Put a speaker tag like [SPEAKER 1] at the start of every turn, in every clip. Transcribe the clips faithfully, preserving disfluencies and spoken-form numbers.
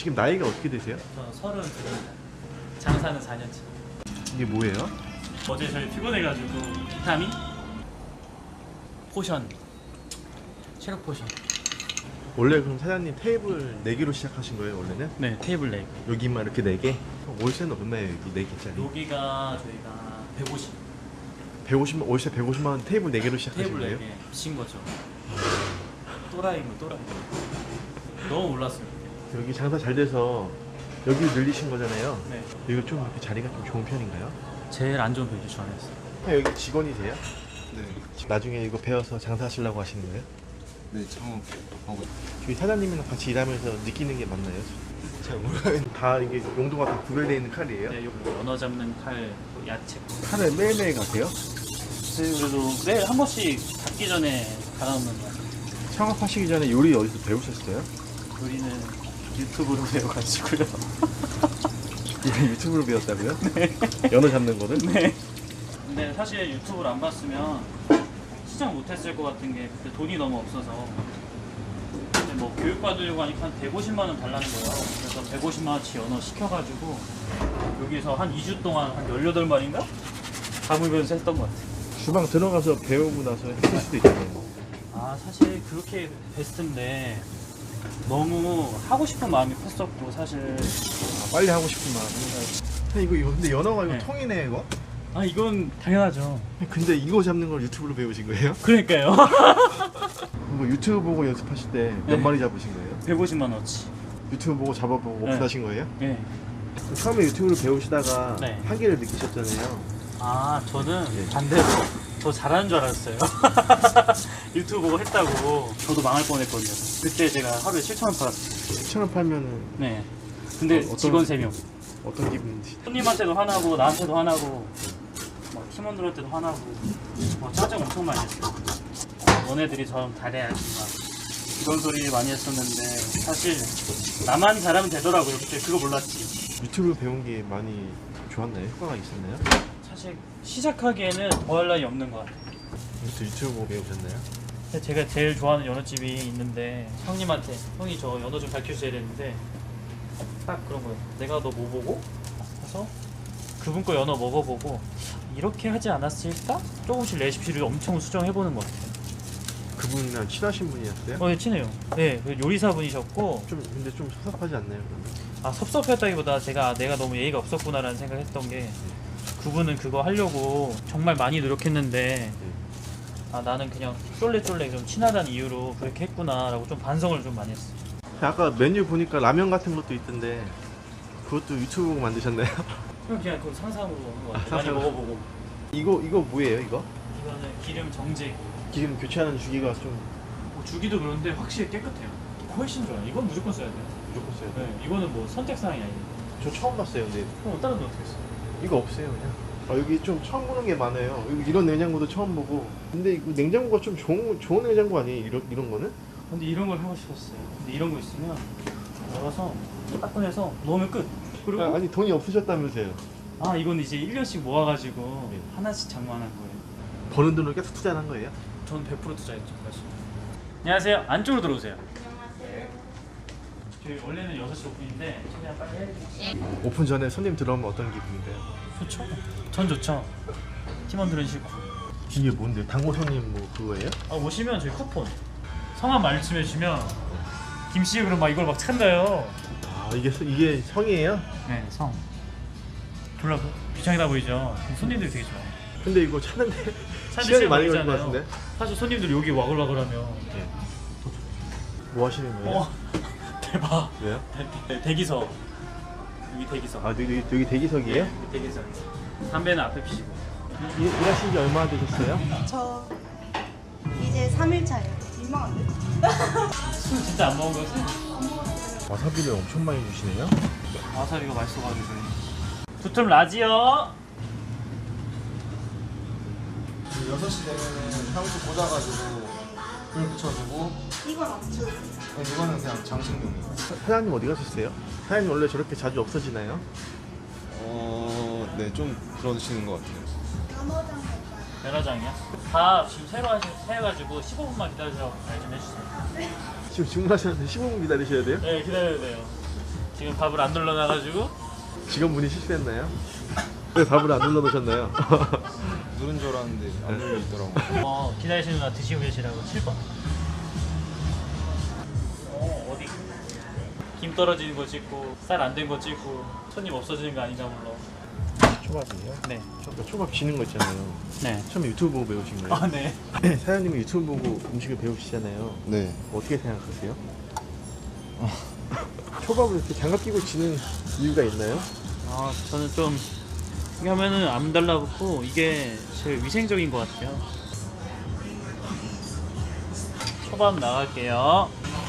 [SPEAKER 1] 지금 나이가 어떻게 되세요?
[SPEAKER 2] 저 서른 둘입니다. 장사는 사 년째.
[SPEAKER 1] 이게 뭐예요?
[SPEAKER 2] 어제 저희 피곤해가지고 비타민 포션, 체력 포션.
[SPEAKER 1] 원래 그럼 사장님 테이블 네 개로 시작하신 거예요 원래는?
[SPEAKER 2] 네, 테이블 leg.
[SPEAKER 1] 여기만 이렇게 네 개? 월세는 얼마예요 여기 네 개짜리?
[SPEAKER 2] 여기가 저희가 백오십.
[SPEAKER 1] 백오십만 월세 백오십만 원 테이블 네 개로 시작하신
[SPEAKER 2] 테이블
[SPEAKER 1] 거예요?
[SPEAKER 2] 네 개. 미친 거죠. 또라이고 또라이. 너무 올랐어요.
[SPEAKER 1] 여기 장사 잘 돼서 여기 늘리신 거잖아요.
[SPEAKER 2] 네.
[SPEAKER 1] 이거 좀 이렇게 자리가 좀 좋은 편인가요?
[SPEAKER 2] 제일 안 좋은 편이죠 전에서.
[SPEAKER 1] 아, 여기 직원이세요?
[SPEAKER 3] 네,
[SPEAKER 1] 나중에 이거 배워서 장사하시려고 하시는 거예요?
[SPEAKER 3] 네 창업하고
[SPEAKER 1] 저희 사장님이랑 같이 일하면서 느끼는 게 맞나요? 잘 몰라요. 다 이게 용도가 다 구별되어 있는 칼이에요?
[SPEAKER 2] 네, 여기 연어 잡는 칼, 야채.
[SPEAKER 1] 칼을 매일매일 가세요?
[SPEAKER 2] 네, 그래도 매일 한 번씩 닫기 전에 갈아놓는 거 같아요.
[SPEAKER 1] 창업하시기 전에 요리 어디서 배우셨어요?
[SPEAKER 2] 우리는 유튜브로 배워가지고요.
[SPEAKER 1] 이게 유튜브로 배웠다고요? 네. 연어 잡는 거를?
[SPEAKER 2] 네. 근데 사실 유튜브를 안 봤으면 시작 못했을 것 같은 게 그때 돈이 너무 없어서 근데 뭐 교육 받으려고 하니까 한 백오십만 원 달라는 거예요. 그래서 백오십만 원치 연어 시켜가지고 여기서 한 이 주 동안 한 열여덟 마리인가? 담으면서 했던 것 같아요.
[SPEAKER 1] 주방 들어가서 배우고 나서 했을 수도 있잖아요.
[SPEAKER 2] 아 사실 그렇게 베스트인데 너무 하고 싶은 마음이 컸었고 사실
[SPEAKER 1] 아, 빨리 하고 싶은 마음이. 이거, 이거 근데 연어가 이거
[SPEAKER 2] 네.
[SPEAKER 1] 통이네 이거?
[SPEAKER 2] 아 이건 당연하죠.
[SPEAKER 1] 근데 이거 잡는 걸 유튜브로 배우신 거예요?
[SPEAKER 2] 그러니까요.
[SPEAKER 1] 이거 유튜브 보고 연습하실 때 몇
[SPEAKER 2] 네.
[SPEAKER 1] 마리 잡으신 거예요?
[SPEAKER 2] 백오십만 원치.
[SPEAKER 1] 유튜브 보고 잡아보고
[SPEAKER 2] 네.
[SPEAKER 1] 오픈하신 거예요?
[SPEAKER 2] 네.
[SPEAKER 1] 처음에 유튜브를 배우시다가
[SPEAKER 2] 네.
[SPEAKER 1] 한계를 느끼셨잖아요.
[SPEAKER 2] 아 저는
[SPEAKER 1] 네.
[SPEAKER 2] 반대로 더 잘하는 줄 알았어요. 유튜브 보고 했다고 저도 망할 뻔했거든요. 그때 제가 하루에 칠천 원 팔았어요.
[SPEAKER 1] 칠천 원 팔면은
[SPEAKER 2] 네. 근데
[SPEAKER 1] 어, 어떤-
[SPEAKER 2] 직원 세 명.
[SPEAKER 1] 어떤 기분인지.
[SPEAKER 2] 손님한테도 화나고 나한테도 화나고 막 팀원들한테도 화나고 뭐 짜증 엄청 많이 했어요. 너네들이 좀 잘해야지 막 이런 소리 많이 했었는데 사실 나만 잘하면 되더라고요. 그때 그거 몰랐지.
[SPEAKER 1] 유튜브 배운 게 많이 좋았나요? 효과가 있었나요?
[SPEAKER 2] 사실 시작하기에는 더할 나위 없는 것 같아요.
[SPEAKER 1] 이것도 유튜브 보고 배우셨나요?
[SPEAKER 2] 근데 제가 제일 좋아하는 연어집이 있는데 형님한테 형이 저 연어 좀 가르쳐줘야 되는데 딱 그런 거예요. 내가 너 뭐 보고 그래서 그분 거 연어 먹어보고 이렇게 하지 않았을까? 조금씩 레시피를 엄청 수정해보는 것 같아요.
[SPEAKER 1] 그분이랑 친하신 분이었어요?
[SPEAKER 2] 어, 예, 친해요. 네, 그 요리사분이셨고
[SPEAKER 1] 좀 근데 좀 섭섭하지 않나요? 그러면?
[SPEAKER 2] 아 섭섭했다기보다 제가 아, 내가 너무 예의가 없었구나라는 생각했던 게 그분은 그거 하려고 정말 많이 노력했는데 아 나는 그냥 쫄래쫄래 좀 친하다는 이유로 그렇게 했구나라고 좀 반성을 좀 많이 했어요.
[SPEAKER 1] 아까 메뉴 보니까 라면 같은 것도 있던데 그것도 유튜브 보고 만드셨나요?
[SPEAKER 2] 그냥 그 상상으로 오는 것 같아요.
[SPEAKER 1] 아,
[SPEAKER 2] 많이
[SPEAKER 1] 상상으로.
[SPEAKER 2] 먹어보고.
[SPEAKER 1] 이거 이거 뭐예요 이거?
[SPEAKER 2] 이거는 기름 정제.
[SPEAKER 1] 지금 교체하는 주기가 좀
[SPEAKER 2] 뭐 주기도 그런데 확실히 깨끗해요. 훨씬 좋아요. 이건 무조건 써야 돼요.
[SPEAKER 1] 무조건 써야 돼요.
[SPEAKER 2] 네, 이거는 뭐 선택사항이 아니에요.
[SPEAKER 1] 저 처음 봤어요 근데
[SPEAKER 2] 그럼 다른 데 어떻게 써요?
[SPEAKER 1] 이거 없어요 그냥. 아, 여기 좀 처음 보는 게 많아요. 여기 이런 냉장고도 처음 보고. 근데 이거 냉장고가 좀 좋은 좋은 냉장고 아니에요? 이런 이런 거는?
[SPEAKER 2] 근데 이런 걸 하고 싶었어요. 근데 이런 거 있으면 열어서 딱 꺼내서 넣으면 끝. 그리고
[SPEAKER 1] 아, 아니 돈이 없으셨다면서요?
[SPEAKER 2] 아 이건 이제 일 년씩 모아가지고
[SPEAKER 1] 네.
[SPEAKER 2] 하나씩 장만한 거예요.
[SPEAKER 1] 버는 돈을 계속 투자한 거예요?
[SPEAKER 2] 전 백 퍼센트 투자했죠 사실. 안녕하세요. 안쪽으로 들어오세요. 저희 원래는 여섯 시 오픈인데 최대한 빨리 해드릴게요.
[SPEAKER 1] 오픈 전에 손님 들어오면 어떤 기분인가요?
[SPEAKER 2] 좋죠. 전 좋죠. 팀원들은 싫고.
[SPEAKER 1] 이게 뭔데? 당고 손님 뭐 그거예요?
[SPEAKER 2] 아, 오시면 저희 쿠폰 성함 말씀해주시면 김씨 그럼 막 이걸 막 찬다요.
[SPEAKER 1] 아 이게 서- 이게 성이에요?
[SPEAKER 2] 네, 성. 졸라 비창이다 보이죠. 그럼 손님들이 되게 좋아해요.
[SPEAKER 1] 근데 이거 찾는데
[SPEAKER 2] 사실
[SPEAKER 1] 시간이 많이 걸릴 것
[SPEAKER 2] 걸리잖아요.
[SPEAKER 1] 같은데?
[SPEAKER 2] 사실 손님들이 여기 와글와글하면
[SPEAKER 1] 뭐 하시는 거예요?
[SPEAKER 2] 어 대박.
[SPEAKER 1] 왜요?
[SPEAKER 2] 대, 대, 대기석 여기 대기석.
[SPEAKER 1] 아 여기, 여기 대기석이에요?
[SPEAKER 2] 여기 대기석. 담배는 앞에 피시고.
[SPEAKER 1] 일, 일하신 지 얼마나 되셨어요?
[SPEAKER 4] 저 이제 삼 일 차예요. 민망한데?
[SPEAKER 2] 술 진짜 안 먹은 거지?
[SPEAKER 1] 와사비를 엄청 많이 주시네요?
[SPEAKER 2] 와사비가 맛있어가지고. 두툼 라지요.
[SPEAKER 3] 여섯 시 되면은 향수 꽂아가지고 불 붙여주고
[SPEAKER 4] 이건 안 쳐요.
[SPEAKER 3] 이거는 그냥 장식용이에요.
[SPEAKER 1] 사, 사장님 어디 가셨어요? 사장님 원래 저렇게 자주 없어지나요?
[SPEAKER 3] 어, 네, 좀 그러시는 것 같아요.
[SPEAKER 4] 단어장
[SPEAKER 2] 면허장이야? 다 지금 새로 하시, 해가지고 십오 분만 기다려주라고 말 좀 해주세요.
[SPEAKER 1] 지금 주문하셨는데 십오 분 기다리셔야 돼요?
[SPEAKER 2] 네, 기다려야 돼요. 지금 밥을 안 눌러놔가지고.
[SPEAKER 1] 직원분이 실수했나요? 왜 밥을 안 눌러놓으셨나요?
[SPEAKER 3] 누른 줄 알았는데 안 눌려 있더라고.
[SPEAKER 2] 어, 기다리시는 누나 드시고 계시라고 칠 번. 어, 어디? 김 떨어지는 거 찍고 쌀 안 된 거 찍고 손님 없어지는 거 아닌가 물론.
[SPEAKER 1] 초밥이에요?
[SPEAKER 2] 네.
[SPEAKER 1] 저 초밥 지는 거 있잖아요.
[SPEAKER 2] 네.
[SPEAKER 1] 처음에 유튜브 보고 배우신 거예요?
[SPEAKER 2] 아, 네.
[SPEAKER 1] 사장님이 유튜브 보고 음식을 배우시잖아요.
[SPEAKER 3] 네.
[SPEAKER 1] 어떻게 생각하세요? 초밥을 이렇게 장갑 끼고 지는 이유가 있나요?
[SPEAKER 2] 아, 저는 좀 이게 하면은 안 달라붙고 이게 제일 위생적인 것 같아요. 초밥 나갈게요.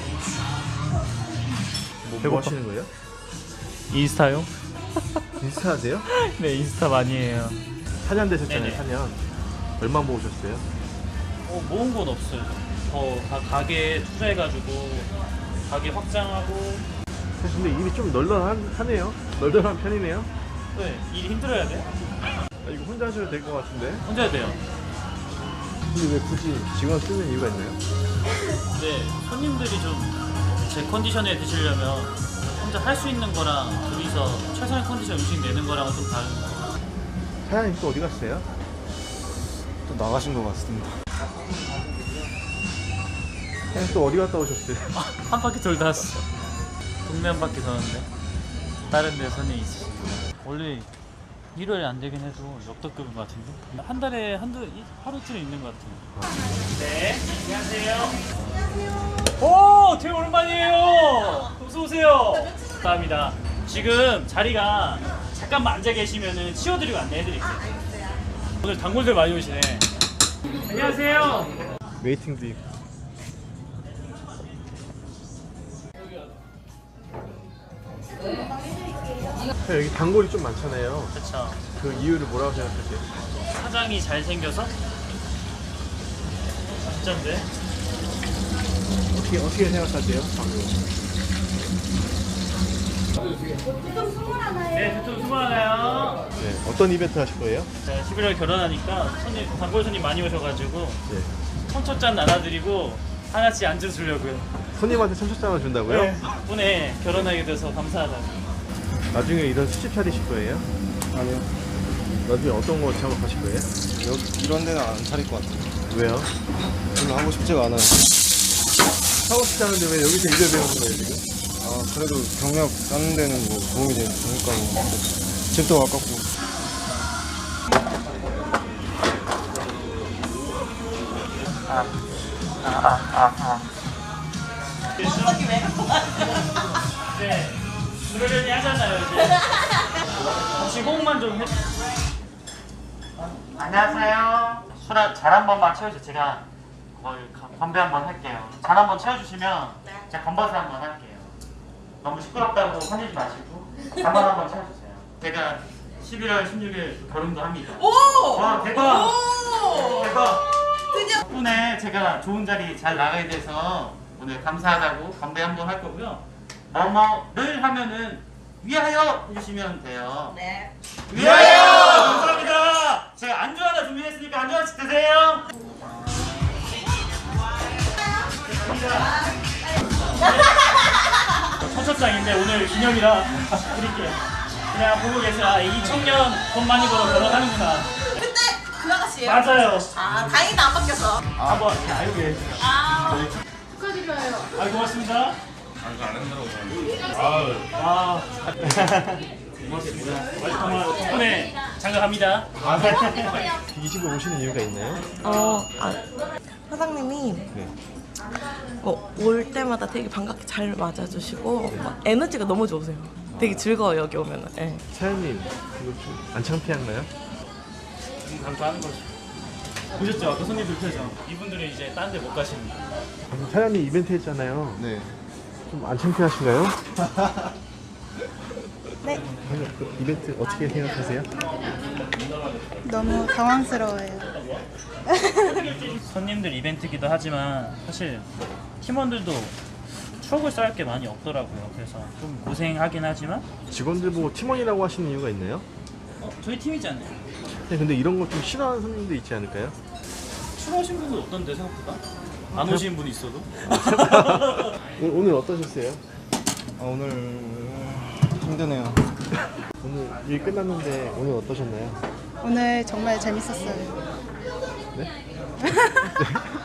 [SPEAKER 1] 뭐, 뭐 하시는 거예요?
[SPEAKER 2] 인스타요?
[SPEAKER 1] 인스타 하세요?
[SPEAKER 2] 네, 인스타 많이 해요.
[SPEAKER 1] 사 년 되셨잖아요.
[SPEAKER 2] 네네.
[SPEAKER 1] 사 년. 얼마 모으셨어요?
[SPEAKER 2] 어, 모은 건 없어요. 더 가, 가게에 투자해가지고 가게 확장하고.
[SPEAKER 1] 사실 근데 일이 좀 널널하네요. 널널한 편이네요.
[SPEAKER 2] 네, 일이 힘들어야 돼.
[SPEAKER 1] 아, 이거 혼자 하셔도 될 것 같은데.
[SPEAKER 2] 혼자 해야 돼요.
[SPEAKER 1] 근데 왜 굳이 직원 쓰는 이유가 있나요?
[SPEAKER 2] 근데 손님들이 좀 제 컨디션에 드시려면 혼자 할 수 있는 거랑 둘이서 최선의 컨디션 음식 내는 거랑은 좀 다른 거.
[SPEAKER 1] 사장님 또 어디 갔어요?
[SPEAKER 3] 또 나가신 것 같습니다.
[SPEAKER 1] 사장님 또 어디 갔다 오셨어요?
[SPEAKER 2] 한 바퀴 돌다 왔어. 동네 한 바퀴 도는데 다른 데 손님이 있으시고. 원래 일요일에 안 되긴 해도 역대급인 것 같은데 한 달에 한두 이- 하루쯤 있는 것 같아요. 네, 안녕하세요. 오, 되게 오랜만이에요. 어서 오세요. 감사합니다. 지금 자리가 잠깐만 앉아 계시면은 치워드리고 안내해드릴게요. 오늘 단골들 많이 오시네. 안녕하세요.
[SPEAKER 1] 웨이팅도 있고. 여기 단골이 좀 많잖아요.
[SPEAKER 2] 그렇죠.
[SPEAKER 1] 그 이유를 뭐라고 생각하세요?
[SPEAKER 2] 사장이 잘생겨서? 진짠데?
[SPEAKER 1] 어떻게 어떻게 생각하세요?
[SPEAKER 2] 네, 두통 수고 하나요?
[SPEAKER 1] 네, 어떤 이벤트 하실 거예요?
[SPEAKER 2] 자, 십일월 결혼하니까 손님, 단골 손님 많이 오셔가지고
[SPEAKER 1] 네.
[SPEAKER 2] 청첩장 나눠드리고 하나씩 안주 주려고요.
[SPEAKER 1] 손님한테 청첩장을 준다고요?
[SPEAKER 2] 네. 덕분에 결혼하게 돼서 감사하다고.
[SPEAKER 1] 나중에 이런 수집 차리실 거예요?
[SPEAKER 3] 아니요.
[SPEAKER 1] 나중에 어떤 거 작업하실 거예요?
[SPEAKER 3] 여기 이런 데는 안 차릴 것 같아요.
[SPEAKER 1] 왜요?
[SPEAKER 3] 별로 하고 싶지가 않아요.
[SPEAKER 1] 사고 싶다는데 왜 여기서 일을 배우는 거예요 지금?
[SPEAKER 3] 아 그래도 경력 쌓는 데는 뭐 도움이 되니까 뭐 집도 가깝고.
[SPEAKER 2] 네, 그러려니 하잖아요 이제. 혹시 호응만 좀 해. 안녕하세요. 술 잘 한 번만 채워주세요. 제가 거의 가- 건배 한번 할게요. 잔 한 번 채워주시면 제가 건버스 한번 할게요. 너무 시끄럽다고 화내지 마시고 잔만 한번 채워주세요. 제가 십일월 십육일 결혼도 합니다.
[SPEAKER 5] 오!
[SPEAKER 2] 와 대박!
[SPEAKER 5] 오!
[SPEAKER 2] 대박!
[SPEAKER 5] 드디어
[SPEAKER 2] 덕분에 제가 좋은 자리 잘 나가게 돼서 오늘 감사하다고 건배 한번 할 거고요. 뭐뭐를 하면은 위하여 해주시면 돼요.
[SPEAKER 5] 네.
[SPEAKER 2] 위하여! 감사합니다. 제가 안주 하나 준비했으니까 안주 하나씩 드세요. 청첩장인데 오늘 기념이라 드릴게요. 그냥 보고 계세요. 아, 이 청년 돈 많이 벌어 결혼하는구나.
[SPEAKER 5] 그때 그 아가씨예요?
[SPEAKER 2] 맞아요.
[SPEAKER 5] 아, 다행이다 안 바뀌어서.
[SPEAKER 2] 한번 알고 계세요.
[SPEAKER 5] 아, 축하드려요.
[SPEAKER 2] 아, 고맙습니다. 아, 고맙습니다. 정말 덕분에 장가갑니다.
[SPEAKER 1] 이 집에 오시는 이유가 있나요?
[SPEAKER 6] 어, 아, 사장님이
[SPEAKER 1] 네.
[SPEAKER 6] 어, 올 때마다 되게 반갑게 잘 맞아주시고 막 에너지가 너무 좋으세요. 되게 즐거워요 여기 오면은. 예.
[SPEAKER 1] 사장님 이거 좀 안 창피한가요?
[SPEAKER 2] 감사하는 거죠. 보셨죠? 아까 손님들 표정. 이분들은 이제 딴 데 못 가십니다.
[SPEAKER 1] 방금 사장님 이벤트 했잖아요.
[SPEAKER 3] 네.
[SPEAKER 1] 좀 안 창피하신가요?
[SPEAKER 4] 네,
[SPEAKER 1] 방금 그 이벤트 어떻게 생각하세요?
[SPEAKER 4] 너무 당황스러워요.
[SPEAKER 2] 손님들 이벤트기도 하지만 사실 팀원들도 추억을 쌓을 게 많이 없더라고요. 그래서 좀 고생하긴 하지만
[SPEAKER 1] 직원들 보고 팀원이라고 하시는 이유가 있나요?
[SPEAKER 2] 어, 저희 팀이잖아요.
[SPEAKER 1] 네, 근데 이런 거 좀 싫어하는 손님도 있지 않을까요?
[SPEAKER 2] 추워하신 분은 어떤데 생각보다? 안 오시는 분이 있어도?
[SPEAKER 1] 오, 오늘 어떠셨어요?
[SPEAKER 3] 아 오늘 힘드네요.
[SPEAKER 1] 오늘 일 끝났는데 오늘 어떠셨나요?
[SPEAKER 4] 오늘 정말 재밌었어요.
[SPEAKER 1] 네?